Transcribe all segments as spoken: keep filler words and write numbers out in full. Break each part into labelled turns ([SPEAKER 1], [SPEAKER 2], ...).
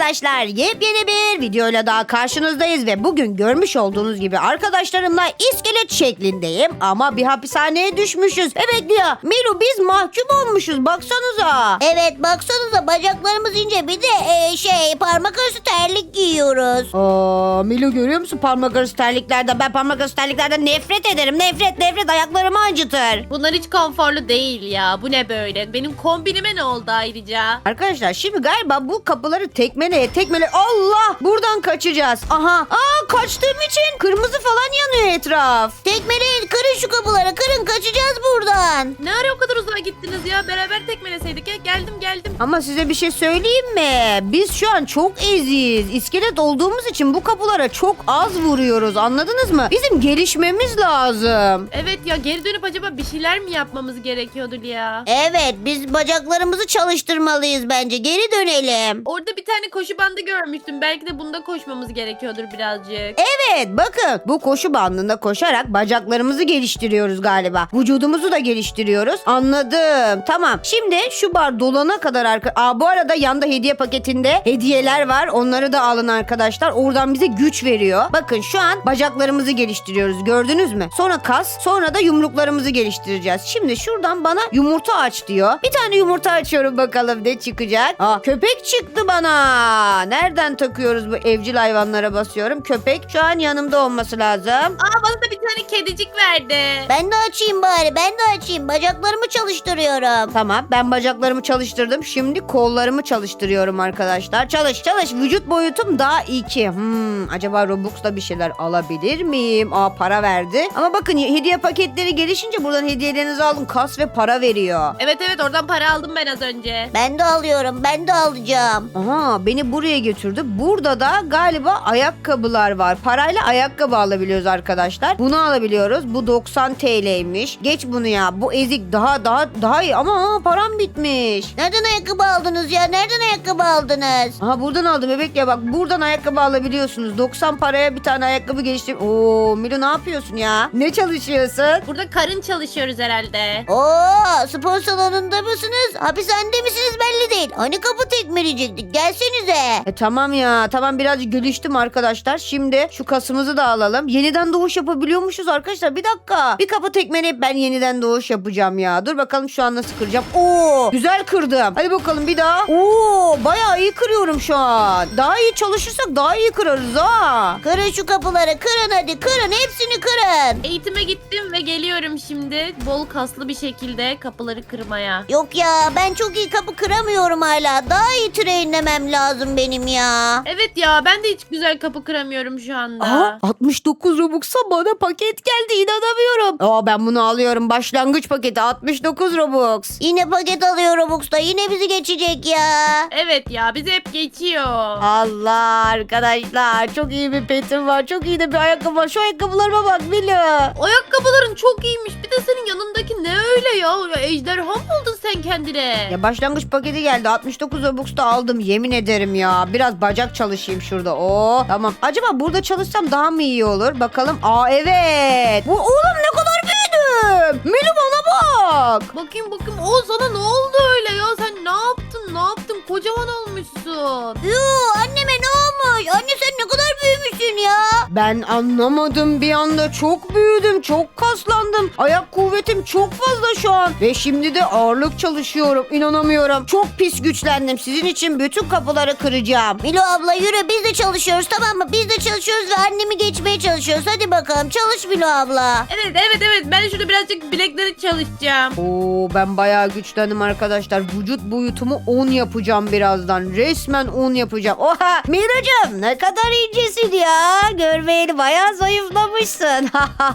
[SPEAKER 1] arkadaşlar, yepyeni bir videoyla daha karşınızdayız ve bugün görmüş olduğunuz gibi arkadaşlarımla iskelet şeklindeyim ama bir hapishaneye düşmüşüz. Evet Lia, Milu, biz mahkum olmuşuz, baksanıza.
[SPEAKER 2] Evet, baksanıza bacaklarımız ince, bir de e, şey parmak arası terlik giyiyoruz.
[SPEAKER 1] Aa, Milu, görüyor musun parmak arası terliklerden? Ben parmak arası terliklerden nefret ederim. Nefret nefret, ayaklarımı acıtır.
[SPEAKER 3] Bunlar hiç konforlu değil ya. Bu ne böyle? Benim kombinime ne oldu ayrıca?
[SPEAKER 1] Arkadaşlar şimdi galiba bu kapıları tekmeleye tekmele Allah, buradan kaçacağız. Aha, aa, kaçtığım için kırmızı falan yanıyor etraf.
[SPEAKER 2] Tekmeleyin, kırın şu kapıları, kırın, kaçacağız buradan.
[SPEAKER 3] Ne ara o kadar uzağa gittiniz ya? Beraber tekmeleseydik ya. Geldim geldim.
[SPEAKER 1] Ama size bir şey söyleyeyim mi? Biz şu an çok eziyiz. İskelet olduğumuz için bu kapılara çok az vuruyoruz, anladınız mı? Bizim gelişmemiz lazım.
[SPEAKER 3] Evet ya, geri dönüp acaba bir şeyler mi yapmamız gerekiyordu ya?
[SPEAKER 2] Evet, biz bacaklarımızı çalıştırmalıyız bence. Geri dönelim.
[SPEAKER 3] Orada bir tane koşu bandı görmüştüm. Belki de bunda koşmamız gerekiyordur birazcık.
[SPEAKER 1] Evet, bakın bu koşu bandında koşarak bacaklarımızı geliştiriyoruz galiba. Vücudumuzu da geliştiriyoruz. Anladım. Tamam. Şimdi şu bar dolana kadar arka... Aa, bu arada yanda hediye paketinde hediyeler var. Onları da alın arkadaşlar. Oradan bize güç veriyor. Bakın şu an bacaklarımızı geliştiriyoruz. Gördünüz mü? Sonra kas, sonra da yumruklarımızı geliştireceğiz. Şimdi şuradan bana yumurta aç diyor. Bir tane yumurta açıyorum, bakalım ne çıkacak. Aa, köpek çıktı bana. Nereden takıyoruz bu evcil hayvanlara, basıyorum. Köpek şu an yanımda olması lazım.
[SPEAKER 3] Aa, bana da bir tane kedicik verdi.
[SPEAKER 2] Ben de açayım bari, ben de açayım. Bacaklarımı çalıştırıyorum.
[SPEAKER 1] Tamam, ben bacaklarımı çalıştırdım. Şimdi kollarımı çalıştırıyorum arkadaşlar. Çalış çalış. Vücut boyutum daha iki. Hmm, acaba Robux'la bir şeyler alabilir miyim? Aa, para verdi. Ama bakın, hediye paketleri gelişince buradan hediyelerinizi alın. Kas ve para veriyor.
[SPEAKER 3] Evet evet, oradan para aldım ben az önce.
[SPEAKER 2] Ben de alıyorum, ben de alacağım.
[SPEAKER 1] Aha, beni buraya götürdü. Burada da galiba ayakkabılar var. Parayla ayakkabı alabiliyoruz arkadaşlar. Bunu alabiliyoruz. Bu doksan T L'ymiş. Geç bunu ya. Bu ezik daha daha daha iyi ama aa, param bitmiş.
[SPEAKER 2] Nereden ayakkabı aldınız ya? Nereden ayakkabı aldınız?
[SPEAKER 1] Aha, buradan aldım bebek ya, bak buradan ayakkabı alabiliyorsunuz. doksan paraya bir tane ayakkabı geliştir. Oo, Milo, ne yapıyorsun ya? Ne çalışıyorsun?
[SPEAKER 3] Burada karın çalışıyoruz herhalde.
[SPEAKER 2] Oo, spor salonunda mısınız? Hapishanede misiniz belli değil. Hani kapı tekmeleyecektik. Gelsenize.
[SPEAKER 1] E tamam ya, tamam, birazcık geliştim arkadaşlar. Şimdi şu kasımızı da alalım. Yeniden doğuş yapabiliyormuşuz arkadaşlar. Bir dakika. Bir kapı tekmeleyip ben yeniden doğuş yapacağım ya. Dur bakalım şu an nasıl kıracağım. Oo, güzel kırdım. Hadi bakalım bir daha. Oo, bayağı iyi kırıyorum şu an. Daha iyi çalışırsak daha iyi kırarız ha.
[SPEAKER 2] Kırın şu kapıları. Kırın hadi. Kırın. Hepsini kırın.
[SPEAKER 3] Eğitime gittim ve geliyorum şimdi bol kaslı bir şekilde kapıları kırmaya.
[SPEAKER 2] Yok ya, ben çok iyi kapı kıramıyorum hala. Daha iyi trainlemem lazım benim ya.
[SPEAKER 3] Evet ya, ben de hiç güzel kapı kıramıyorum şu anda.
[SPEAKER 1] Aha, altmış dokuz Robux'a bana paket geldi, inanamıyorum. Aa, ben bunu alıyorum. Başlangıç paketi altmış dokuz Robux.
[SPEAKER 2] Yine paket alıyor Robux'ta. Yine bizi geçecek ya.
[SPEAKER 3] Evet ya, bizi hep geçiyor.
[SPEAKER 1] Allah arkadaşlar, çok iyi bir petim var. Çok iyi de bir ayakkabı var. Şu ayakkabılarıma bak Milo.
[SPEAKER 3] Ayakkabıların çok iyiymiş. Bir de senin yanındaki ne öyle ya? Ya ejderha mı oldun sen kendine?
[SPEAKER 1] Ya başlangıç paketi geldi. altmış dokuz Robux'ta aldım. Yemin ederim ya. Biraz bacak çalışayım şurada. Oo, tamam. Acaba burada çalışsam daha mı iyi olur? Bakalım. Aa, evet. Bu oğlum ne kadar büyüdüm. Milo, bana bak.
[SPEAKER 3] Bakayım bakayım. O sana ne oldu öyle ya? Sen ne yaptın? Ne yaptın? Kocaman olmuşsun.
[SPEAKER 2] Yoo, anneme ne olmuş? Anne sen ne kadar büyümüşsün ya.
[SPEAKER 1] Ben anlamadım, bir anda çok büyüdüm, çok kaslandım. Ayak kuvvetim çok fazla şu an. Ve şimdi de ağırlık çalışıyorum. İnanamıyorum. Çok pis güçlendim. Sizin için bütün kapıları kıracağım.
[SPEAKER 2] Milo abla yürü, biz de çalışıyoruz, tamam mı? Biz de çalışıyoruz ve annemi geçmeye çalışıyoruz. Hadi bakalım çalış Milo abla.
[SPEAKER 3] Evet evet evet. Ben şurada birazcık bilekleri çalışacağım.
[SPEAKER 1] Oo, ben bayağı güçlendim arkadaşlar. Vücut boyutumu on yapacağım birazdan. Resmen on yapacağım. Oha, Miracığım ne kadar incesin ya. Görmeyeli bayağı zayıflamışsın.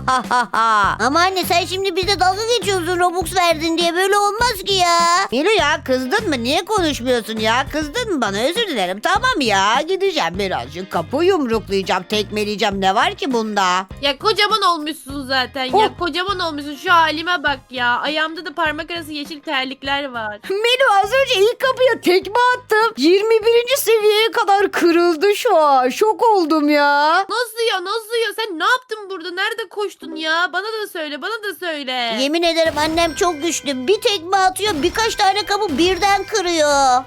[SPEAKER 2] Ama anne sen şimdi bize dalga geçiyorsun Robux verdin diye, böyle olmaz ki ya.
[SPEAKER 1] Milo ya, kızdın mı? Niye konuşmuyorsun ya? Kızdın mı bana? Özür dilerim. Tamam ya, gideceğim birazcık. Kapı yumruklayacağım, tekmeleyeceğim. Ne var ki bunda?
[SPEAKER 3] Ya kocaman olmuşsun zaten.
[SPEAKER 1] Oh.
[SPEAKER 3] Ya kocaman olmuşsun. Şu halime bak ya. Ayağımda da parmak arası yeşil terlikler var.
[SPEAKER 1] Milo, az önce ilk kapıya tekme attım. yirmi birinci seviyeye kadar kırıldı şu an. Şok oldum ya.
[SPEAKER 3] Nasıl ya nasıl ya? Sen ne yaptın burada? Nerede koştun ya? Bana da söyle bana da söyle.
[SPEAKER 2] Yemin ederim annem çok güçlü. Bir tekme atıyor, birkaç tane kapı birden kırıyor.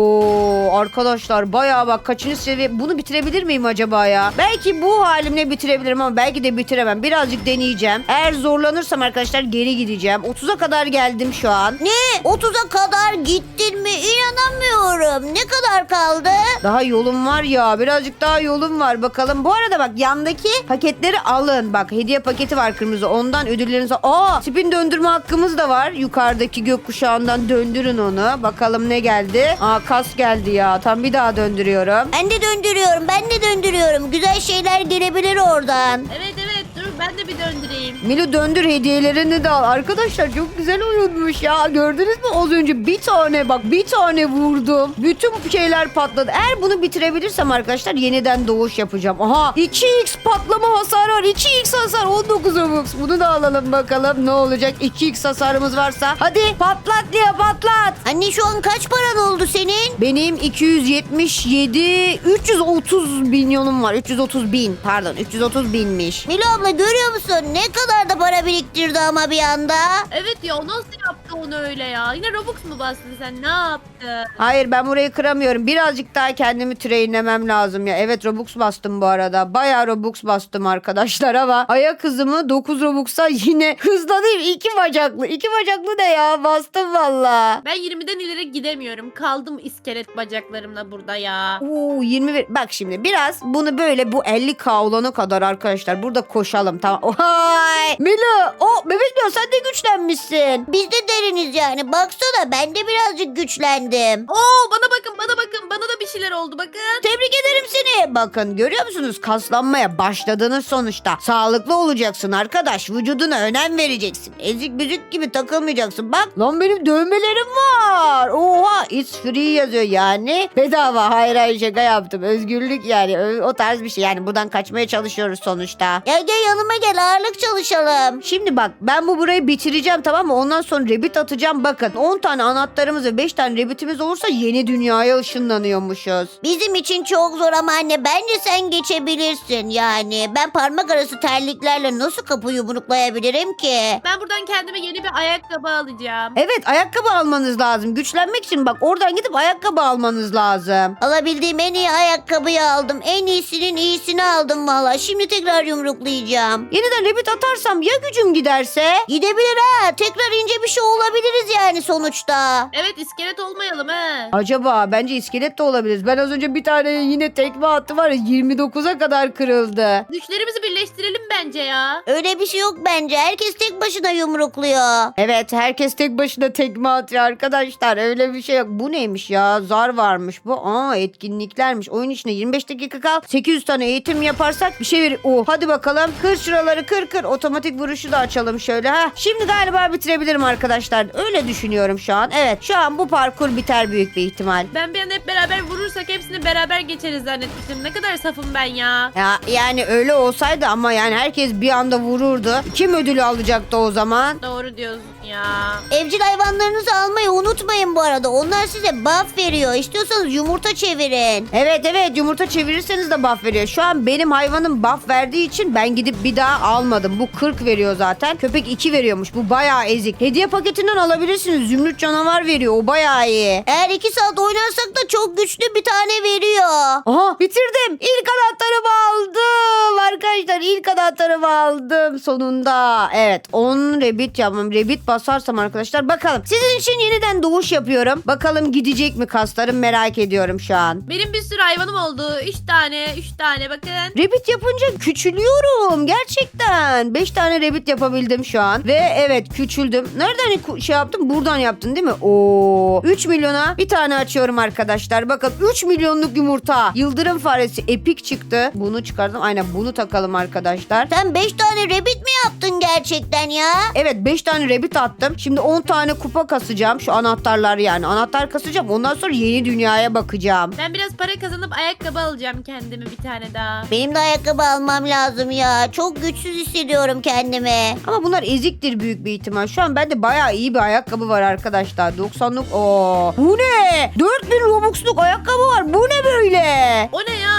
[SPEAKER 1] Oo arkadaşlar bayağı bak kaçıncı seviye bunu bitirebilir miyim acaba ya? Belki bu halimle bitirebilirim ama belki de bitiremem. Birazcık deneyeceğim. Eğer zorlanırsam arkadaşlar geri gideceğim. otuza kadar geldim şu an.
[SPEAKER 2] Ne? otuza kadar gittin mi? İnanamıyorum. Ne kadar kaldı?
[SPEAKER 1] Daha yolum var ya. Birazcık daha yolum var bakalım. Bu arada bak yandaki paketleri alın. Bak hediye paketi var kırmızı. Ondan ödüllerinizi... Aa spin döndürme hakkımız da var. Yukarıdaki gökkuşağından döndürün onu. Bakalım ne geldi? Aa kas geldi ya. Tam bir daha döndürüyorum.
[SPEAKER 2] Ben de döndürüyorum. Ben de döndürüyorum. Güzel şeyler gelebilir oradan.
[SPEAKER 3] Evet evet dur ben de bir döndüreyim.
[SPEAKER 1] Milo döndür hediyelerini de al. Arkadaşlar çok güzel oyunmuş ya. Gördünüz mü az önce bir tane bak bir tane vurdum. Bütün şeyler patladı. Eğer bunu bitirebilirsem arkadaşlar yeniden doğuş yapacağım. Aha iki x patlama hasarı var. iki x hasar on dokuz Robux. Bunu da alalım bakalım ne olacak. iki x hasarımız varsa. Hadi patlat diye patlat.
[SPEAKER 2] Anne şu an kaç paran oldu senin?
[SPEAKER 1] Benim iki yüz yetmiş yedi üç yüz otuz milyonum var. üç yüz otuz bin pardon üç yüz otuz binmiş.
[SPEAKER 2] Milo abla görüyor musun? Ne kadar da para biriktirdi ama bir anda.
[SPEAKER 3] Evet ya o nasıl yaptı onu öyle ya? Yine Robux mu bastın sen? Ne yaptın?
[SPEAKER 1] Hayır ben burayı kıramıyorum. Birazcık daha kendimi trainlemem lazım ya. Evet Robux bastım bu arada. Bayağı Robux bastım arkadaşlar ama ayak hızımı dokuz Robux'a yine hızlanayım. İki bacaklı. İki bacaklı ne ya? Bastım valla.
[SPEAKER 3] Ben yirmiden ileri gidemiyorum. Kaldım iskelet bacaklarımla burada ya.
[SPEAKER 1] Oo yirmi bir. Bak şimdi biraz bunu böyle bu elli K olana kadar arkadaşlar burada koşalım tamam. Ohay! Milo o bebek diyor sen de güçlenmişsin.
[SPEAKER 2] Biz de deriniz yani. Baksana ben de birazcık güçlendim.
[SPEAKER 3] Oo bana bakın bana bakın. Bana da bir şeyler oldu bakın.
[SPEAKER 1] Tebrik ederim seni. Bakın görüyor musunuz? Kaslanmaya başladınız sonuçta. Sağlıklı olacaksın arkadaş. Vücuduna önem vereceksin. Ezik büzük gibi takılmayacaksın. Bak lan benim dövmelerim var. Oha it's free yazıyor yani. Bedava. Hayır hayır şaka yaptım. Özgürlük yani. Ö- O tarz bir şey. Yani buradan kaçmaya çalışıyoruz sonuçta.
[SPEAKER 2] Gel gel yanıma gel ağırlık çalışalım.
[SPEAKER 1] Şimdi bak ben bu burayı bitireceğim tamam mı? Ondan sonra rebit atacağım. Bakın on tane anahtarımız ve beş tane rebitimiz olursa yeni dünyaya ışınlanıyormuşuz.
[SPEAKER 2] Bizim için çok zor ama anne bence sen geçebilirsin yani. Ben parmak arası terliklerle nasıl kapı yumruklayabilirim ki?
[SPEAKER 3] Ben buradan kendime yeni bir ayakkabı alacağım.
[SPEAKER 1] Evet ayakkabı almanız lazım. Güçlenmek için bak oradan gidip ayakkabı almanız lazım.
[SPEAKER 2] Alabildiğim en iyi ayakkabıyı aldım. En iyisinin iyisini aldım valla. Şimdi tekrar yumruklayacağım.
[SPEAKER 1] Yeniden rebit atarsam ya gücüm giderse?
[SPEAKER 2] Gidebilir ha. Tekrar ince bir şey olabiliriz yani sonuçta.
[SPEAKER 3] Evet iskelet olmayalım he.
[SPEAKER 1] Acaba bence iskelet de olabiliriz. Ben az önce bir tane yine tekme attı var ya yirmi dokuza kadar kırıldı.
[SPEAKER 3] Güçlerimizi birleştirelim bence ya.
[SPEAKER 2] Öyle bir şey yok bence. Herkes tek başına yumrukluyor.
[SPEAKER 1] Evet herkes tek başına tekme atıyor arkadaşlar. Öyle bir şey yok. Bu neymiş ya? Zar varmış bu. Aa etkinliklermiş. Oyun içinde yirmi beş dakika kal. sekiz yüz tane eğitim yaparsak bir şey verir. Oh hadi bakalım. Kır şuraları kır kır. Otomatik vuruşu da açalım şöyle. Ha. Şimdi galiba bitirebilirim arkadaşlar. Öyle düşünüyorum şu an. Evet şu an bu parkur biter büyük bir ihtimal.
[SPEAKER 3] Ben bir an hep beraber vurursak hepsini beraber geçeriz zannetmiştim. Ne kadar safım ben ya.
[SPEAKER 1] Ya yani öyle olsaydı ama yani herkes bir anda vururdu. Kim ödülü alacaktı o zaman?
[SPEAKER 3] Doğru diyorsun ya.
[SPEAKER 2] Evcil hayvanlarınızı almayı unutmayın bu arada. Onlar size buff veriyor. İstiyorsanız yumurta çevirin.
[SPEAKER 1] Evet evet yumurta çevirirseniz de buff veriyor. Şu an benim hayvanım buff verdiği için ben gidip bir daha almadım. Bu kırk veriyor zaten. Köpek iki veriyormuş. Bu bayağı ezik. Hediye paketinden alabilirsiniz. Zümrüt canavar veriyor. O bayağı iyi.
[SPEAKER 2] Eğer iki saat oynarsak da çok güçlü bir tane veriyor.
[SPEAKER 1] Aha bitirdim. İlk anahtarımı aldım. Arkadaşlar ilk anahtarımı aldım sonunda. Evet on rebit yapmam. Rebit basarsam arkadaşlar bakalım. Sizin için yeniden doğuş yapıyorum. Bakalım gidecek mi kaslarım merak ediyorum şu an.
[SPEAKER 3] Benim bir sürü hayvanım oldu. Üç tane, üç tane bakın.
[SPEAKER 1] Rebit yapınca küçülüyorum gerçekten. beş tane rebit yapabildim şu an. Ve evet küçüldüm. Nereden ku- şey yaptım? Buradan yaptın değil mi? Oo. üç milyona bir tane açıyorum arkadaşlar. Bakın üç milyonluk yumurta. Yıldırım faresi epik çıktı. Bunu çıkardım. Aynen bunu takalım arkadaşlar.
[SPEAKER 2] Sen beş tane rabbit mi yaptın gerçekten ya?
[SPEAKER 1] Evet beş tane rebit attım. Şimdi on tane kupa kasacağım. Şu anahtarlar yani. Anahtar kasacağım. Ondan sonra yeni dünyaya bakacağım.
[SPEAKER 3] Ben biraz para kazanıp ayakkabı alacağım kendime bir tane daha.
[SPEAKER 2] Benim de ayakkabı almam lazım ya. Çok güçsüz hissediyorum kendimi.
[SPEAKER 1] Ama bunlar eziktir büyük bir ihtimal. Şu an bende bayağı iyi bir ayakkabı var arkadaşlar. doksanlık. Oo. Bu ne? dört bin Robux'luk ayakkabı var. Bu ne böyle?
[SPEAKER 3] O ne ya öyle dört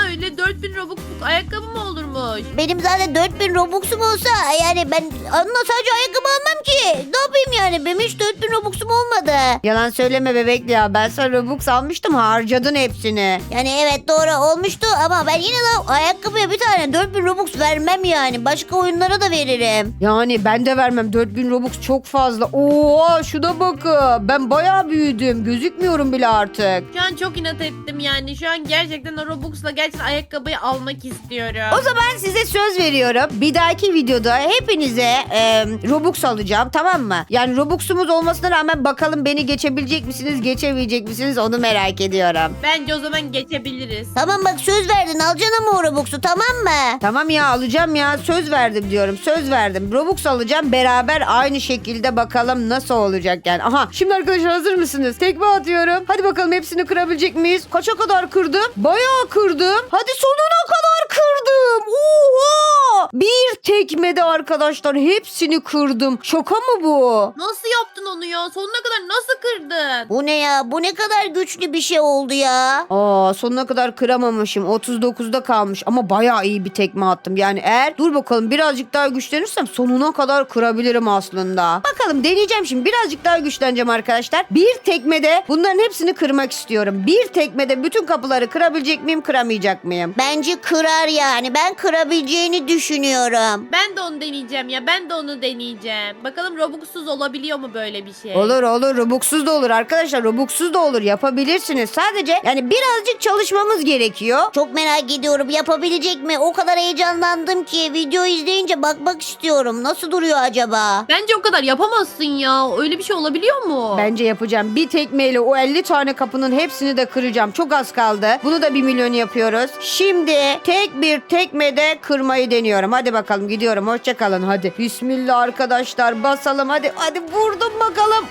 [SPEAKER 3] dört bin Robux'luk ayakkabı mı olurmuş?
[SPEAKER 2] Benim zaten dört bin Robux'um olsa yani ben onunla sadece ayakkabı almam ki. Ne yapayım yani? Benim hiç dört bin Robux'um olmadı.
[SPEAKER 1] Yalan söyleme bebekli ya. Ben sana Robux almıştım, harcadın hepsini.
[SPEAKER 2] Yani evet doğru olmuştu ama ben yine de ayakkabıya bir tane dört bin Robux vermem yani. Başka oyunlara da veririm.
[SPEAKER 1] Yani ben de vermem. dört bin Robux çok fazla. Oo, şuna bakın. Ben bayağı büyüdüm. Gözükmüyorum bile artık.
[SPEAKER 3] Şu an çok inat ettim yani. Şu an gerçekten o Robux'la gerçekten ayakkabıyı almak istiyorum.
[SPEAKER 1] O zaman size söz veriyorum. Bir dahaki videoda hepinize e, Robux alacağım, tamam mı? Yani Robux'umuz olmasına rağmen bakalım beni geçebilecek misiniz, geçemeyecek misiniz, onu merak ediyorum.
[SPEAKER 3] Bence o zaman geçebiliriz.
[SPEAKER 2] Tamam bak söz verdin alacaksın ama o Robux'u tamam mı?
[SPEAKER 1] Tamam ya, alacağım ya, söz verdim diyorum, söz verdim. Robux alacağım, beraber aynı şekilde bakalım nasıl olacak yani. Aha, şimdi arkadaşlar hazır mısınız? Tekme atıyorum. Hadi bakalım hepsini kırabilecek miyiz? Kaça kadar kırdım? Bayağı kırdım. Hadi sonuna kadar kırdım. Oha! Bir tekmede arkadaşlar hepsini kırdım. Şaka mı bu?
[SPEAKER 3] Nasıl yaptın onu ya? Sonuna kadar nasıl kırdın?
[SPEAKER 2] Bu ne ya? Bu ne kadar güçlü bir şey oldu ya.
[SPEAKER 1] Aa, sonuna kadar kıramamışım. otuz dokuzda kalmış ama bayağı iyi bir tekme attım. Yani eğer dur bakalım birazcık daha güçlenirsem sonuna kadar kırabilirim aslında. Bakalım deneyeceğim şimdi. Birazcık daha güçleneceğim arkadaşlar. Bir tekmede bunların hepsini kırmak istiyorum. Bir tekmede bütün kapıları kırabilecek miyim, kıramayacak mıyım?
[SPEAKER 2] Bence kırar yani. Ben kırabileceğini düşünüyorum.
[SPEAKER 3] Ben de onu deneyeceğim ya. Ben de onu deneyeceğim. Bakalım Robux'suz olabiliyor mu böyle bir şey?
[SPEAKER 1] Olur olur, Robux'suz da olur arkadaşlar, Robux'suz da olur, yapabilirsiniz. Sadece yani birazcık çalışmamız gerekiyor.
[SPEAKER 2] Çok merak ediyorum yapabilecek mi? O kadar heyecanlandım ki video izleyince bakmak istiyorum. Nasıl duruyor acaba?
[SPEAKER 3] Bence o kadar yapamazsın ya. Öyle bir şey olabiliyor mu?
[SPEAKER 1] Bence yapacağım. Bir tekmeyle o elli tane kapının hepsini de kıracağım. Çok az kaldı. Bunu da bir milyon yapıyoruz. Şimdi tek bir tekmede kırmayı deniyorum. Hadi bakalım, gidiyorum. Hoşça kalın hadi. Bismillah arkadaşlar, basalım hadi. Hadi vurdum bakalım.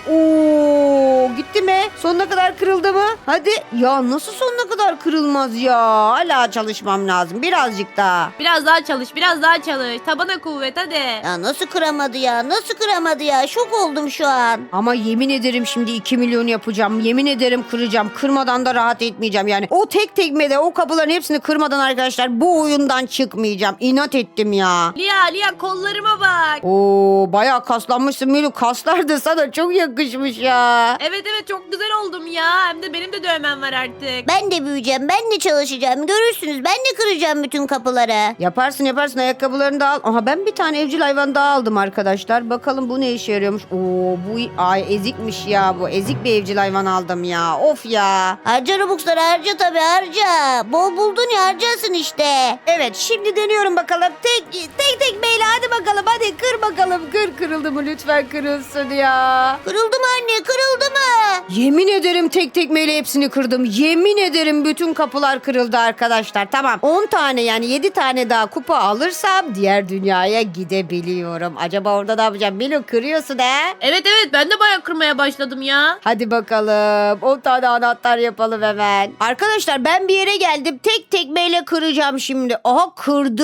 [SPEAKER 1] Oo, gitti mi? Sonuna kadar kırıldı mı? Hadi. Ya nasıl sonuna kadar kırılmaz ya? Hala çalışmam lazım. Birazcık daha.
[SPEAKER 3] Biraz daha çalış, biraz daha çalış. Tabana kuvvet hadi.
[SPEAKER 2] Ya nasıl kıramadı ya? Nasıl kıramadı ya? Şok oldum şu an.
[SPEAKER 1] Ama yemin ederim şimdi iki milyon yapacağım. Yemin ederim kıracağım. Kırmadan da rahat etmeyeceğim. Yani o tek tekmede o kapıların hepsini kırmadan arkadaşlar bu oyundan çıkmayacağım. İnat ettim ya.
[SPEAKER 3] Lia, Lia kollarıma bak.
[SPEAKER 1] Oo, bayağı kaslanmışsın Milu. Kaslar da sana çok yakışmış ya.
[SPEAKER 3] Evet evet çok güzel oldum ya. Hem de benim de dövmem var artık.
[SPEAKER 2] Ben de büyüyeceğim. Ben de çalışacağım. Görürsünüz. Ben de kıracağım bütün kapıları.
[SPEAKER 1] Yaparsın yaparsın, ayakkabılarını da al. Aha, ben bir tane evcil hayvan daha aldım arkadaşlar. Bakalım bu ne işe yarıyormuş. Oo, bu ay ezikmiş ya bu. Ezik bir evcil hayvan aldım ya. Of ya.
[SPEAKER 2] Harca Robux'ları harca tabii harca. Bol buldun ya harcarsın işte.
[SPEAKER 1] Evet, şimdi deniyorum bakalım. Tek tek tek beyle hadi bakalım. Hadi kır bakalım. Kır, kırıldı mı? Lütfen kırılsın ya.
[SPEAKER 2] Kırıldı mı anne kırıldı mı?
[SPEAKER 1] Yemin ederim tek tekmeyle hepsini kırdım. Yemin ederim bütün kapılar kırıldı arkadaşlar. Tamam, on tane yani yedi tane daha kupa alırsam diğer dünyaya gidebiliyorum. Acaba orada ne yapacağım? Milo, kırıyorsun he?
[SPEAKER 3] Evet evet ben de bayağı kırmaya başladım ya.
[SPEAKER 1] Hadi bakalım. on tane anahtar yapalım hemen. Arkadaşlar ben bir yere geldim. Tek tekmeyle kıracağım şimdi. Aha,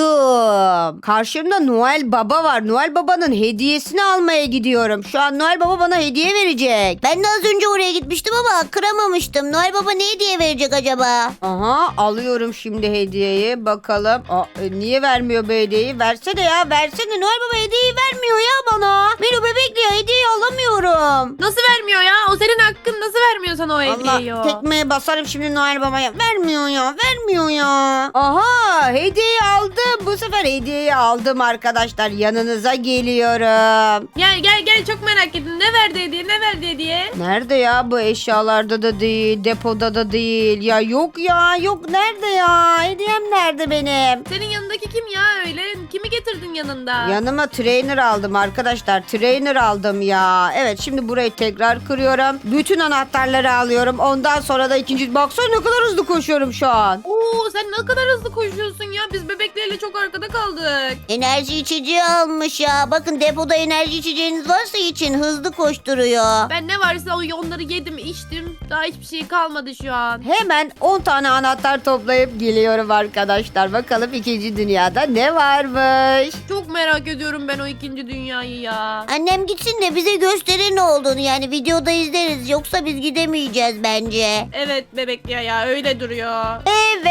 [SPEAKER 1] kırdım. Karşımda Noel Baba var. Noel Baba'nın hediyesini almaya gidiyorum. Şu an Noel Baba bana hediye verecek.
[SPEAKER 2] Ben de az önce oraya gitmiştim ama kıramamıştım. Noel Baba ne hediye verecek acaba?
[SPEAKER 1] Aha, alıyorum şimdi hediyeyi. Bakalım. Aa, e, niye vermiyor bu hediyeyi? Versene ya, versene. Noel Baba hediyeyi vermiyor ya bana. Milo bebekli ya, hediyeyi alamıyorum.
[SPEAKER 3] Nasıl vermiyor ya? O senin hakkın, nasıl vermiyor sana o hediyeyi
[SPEAKER 1] Allah,
[SPEAKER 3] o?
[SPEAKER 1] tekmeye basarım şimdi Noel Baba'ya. Vermiyor ya, vermiyor ya. Aha, hediyeyi aldım. Bu sefer hediyeyi aldım arkadaşlar. Yanınıza geliyorum.
[SPEAKER 3] Gel gel gel çok merak ettim. Ne verdi hediye? Ne verdi hediye?
[SPEAKER 1] Nerede ya bu? Eşyalarda da değil, depoda da değil. Ya yok ya, yok, nerede ya? Hediyem nerede benim?
[SPEAKER 3] Senin yanındaki kim ya öyle? Kimi getirdin yanında?
[SPEAKER 1] Yanıma trainer aldım arkadaşlar. Trainer aldım ya. Evet, şimdi burayı tekrar kırıyorum. Bütün anahtarları alıyorum. Ondan sonra da ikinci... Baksana ne kadar hızlı koşuyorum şu an.
[SPEAKER 3] Oo sen ne kadar hızlı koşuyorsun ya. Biz bebeklerle çok arkada kaldık.
[SPEAKER 2] Enerji içeceği almış ya. Bakın depoda enerji içeceğiniz varsa için hızlı koşturuyor.
[SPEAKER 3] Ben ne varsa o onları yedim içtim. Daha hiçbir şey kalmadı şu an.
[SPEAKER 1] Hemen on tane anahtar toplayıp geliyorum arkadaşlar. Bakalım ikinci dünyada ne varmış.
[SPEAKER 3] Çok merak ediyorum ben o ikinci dünyayı ya.
[SPEAKER 2] Annem gitsin de bize gösterir ne olduğunu. Yani videoda izleriz. Yoksa biz gidemeyeceğiz bence.
[SPEAKER 3] Evet bebek ya ya öyle duruyor.
[SPEAKER 1] Evet.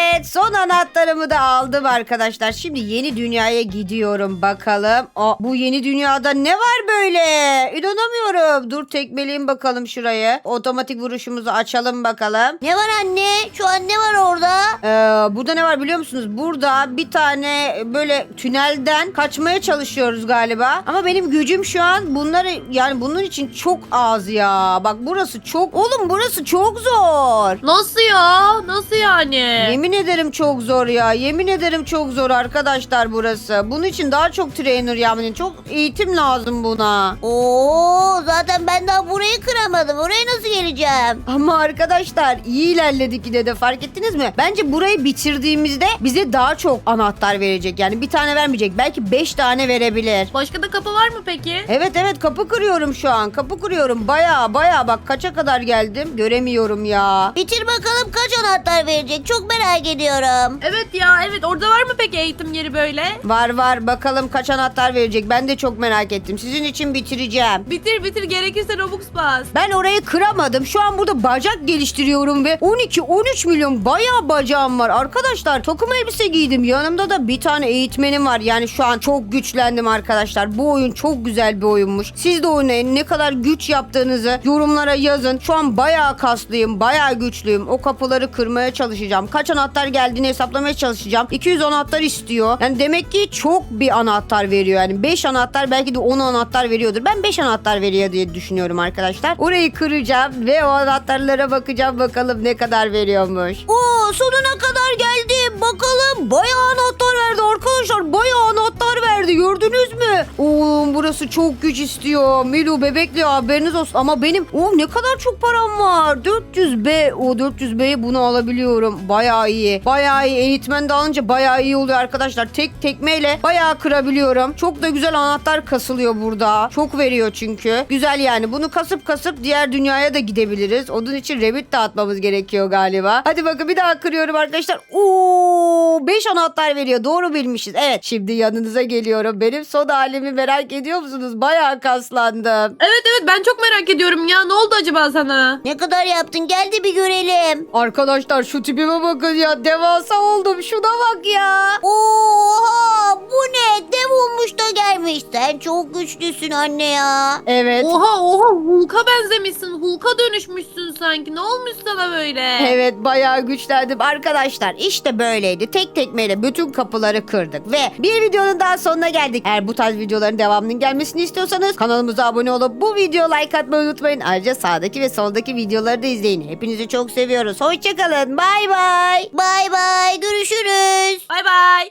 [SPEAKER 1] Evet, son anahtarımı da aldım arkadaşlar. Şimdi yeni dünyaya gidiyorum bakalım. Aa, bu yeni dünyada ne var böyle? İnanamıyorum. Dur tekmeleyeyim bakalım şurayı. Otomatik vuruşumuzu açalım bakalım.
[SPEAKER 2] Ne var anne? Şu an ne var orada?
[SPEAKER 1] Ee, burada ne var biliyor musunuz? Burada bir tane böyle tünelden kaçmaya çalışıyoruz galiba. Ama benim gücüm şu an bunları yani bunun için çok az ya. Bak burası çok... Oğlum burası çok zor.
[SPEAKER 3] Nasıl ya? Nasıl yani?
[SPEAKER 1] Yemin ederim çok zor ya. Yemin ederim çok zor arkadaşlar burası. Bunun için daha çok trainer yani çok eğitim lazım buna.
[SPEAKER 2] Oo, zaten ben daha burayı kıramadım. Oraya nasıl geleceğim?
[SPEAKER 1] Ama arkadaşlar iyi ilerledik yine de fark ettiniz mi? Bence burayı bitirdiğimizde bize daha çok anahtar verecek. Yani bir tane vermeyecek. Belki beş tane verebilir.
[SPEAKER 3] Başka da kapı var mı peki?
[SPEAKER 1] Evet evet kapı kırıyorum şu an. Kapı kırıyorum. Baya baya bak kaça kadar geldim. Göremiyorum ya.
[SPEAKER 2] Bitir bakalım kaç anahtar verecek. Çok merak ediyorum.
[SPEAKER 3] Evet ya evet orada var mı peki eğitim yeri böyle?
[SPEAKER 1] Var var bakalım kaç anahtar verecek. Ben de çok merak ettim. Sizin için bitireceğim.
[SPEAKER 3] Bitir bitir gerekirse Robux bas.
[SPEAKER 1] Ben orayı kıramadım. Şu an burada bacak geliştiriyorum ve on iki on üç milyon bayağı bacağım var. Arkadaşlar takım elbise giydim. Yanımda da bir tane eğitmenim var. Yani şu an çok güçlendim arkadaşlar. Bu oyun çok güzel bir oyunmuş. Siz de oynayın. Ne kadar güç yaptığınızı yorumlara yazın. Şu an bayağı kaslıyım. Bayağı güçlüyüm. O kapıları kırmaya çalışacağım. Kaç anahtar geldiğini hesaplamaya çalışacağım. iki yüz anahtar istiyor. Yani demek ki çok bir anahtar veriyor. Yani beş anahtar belki de on anahtar veriyordur. Ben beş anahtar veriyor diye düşünüyorum arkadaşlar. Orayı kıracağım ve o anahtarlara bakacağım bakalım ne kadar veriyormuş.
[SPEAKER 2] Oo, sonuna kadar geldim. Bakalım bayağı anahtar verdi arkadaşlar. Bayağı anahtar verdi.
[SPEAKER 1] Gördünüz mü? Oğlum burası çok güç istiyor. Milu bebekli haberiniz olsun. Ama benim o ne kadar çok param var. dört yüz B. O dört yüz B'ye bunu alabiliyorum. Bayağı iyi. Bayağı iyi. Eğitmen de alınca bayağı iyi oluyor arkadaşlar. Tek tekmeyle bayağı kırabiliyorum. Çok da güzel anahtar kasılıyor burada. Çok veriyor çünkü. Güzel yani. Bunu kasıp kasıp diğer dünyaya da gidebiliriz. Onun için Rabbit dağıtmamız gerekiyor galiba. Hadi bakın bir daha kırıyorum arkadaşlar. Oo, beş anahtar veriyor. Doğru bilmişiz. Evet. Şimdi yanınıza geliyorum. Benim son halimi merak ediyor musunuz? Bayağı kaslandım.
[SPEAKER 3] Evet evet ben çok merak ediyorum ya. Ne oldu acaba sana?
[SPEAKER 2] Ne kadar yaptın? Gel de bir görelim.
[SPEAKER 1] Arkadaşlar şu tipime bakın ya. Devasa oldum. Şuna bak ya.
[SPEAKER 2] Oha, bu ne? Dev olmuş da gelmiş. Sen çok güçlüsün anne ya.
[SPEAKER 1] Evet.
[SPEAKER 3] Oha oha Hulk'a benzemişsin. Hulk'a dönüşmüşsün sanki. Ne olmuş sana böyle?
[SPEAKER 1] Evet bayağı güçlendim. Arkadaşlar işte böyleydi. Tek tekmeyle bütün kapıları kırdık. Ve bir videonun daha sonuna geldik. Eğer bu tarz videoların devamının gelmesini istiyorsanız kanalımıza abone olup bu videoya like atmayı unutmayın. Ayrıca sağdaki ve soldaki videoları da izleyin. Hepinizi çok seviyoruz. Hoşçakalın. Bay bay.
[SPEAKER 2] Bay bay, görüşürüz.
[SPEAKER 3] Bay bay.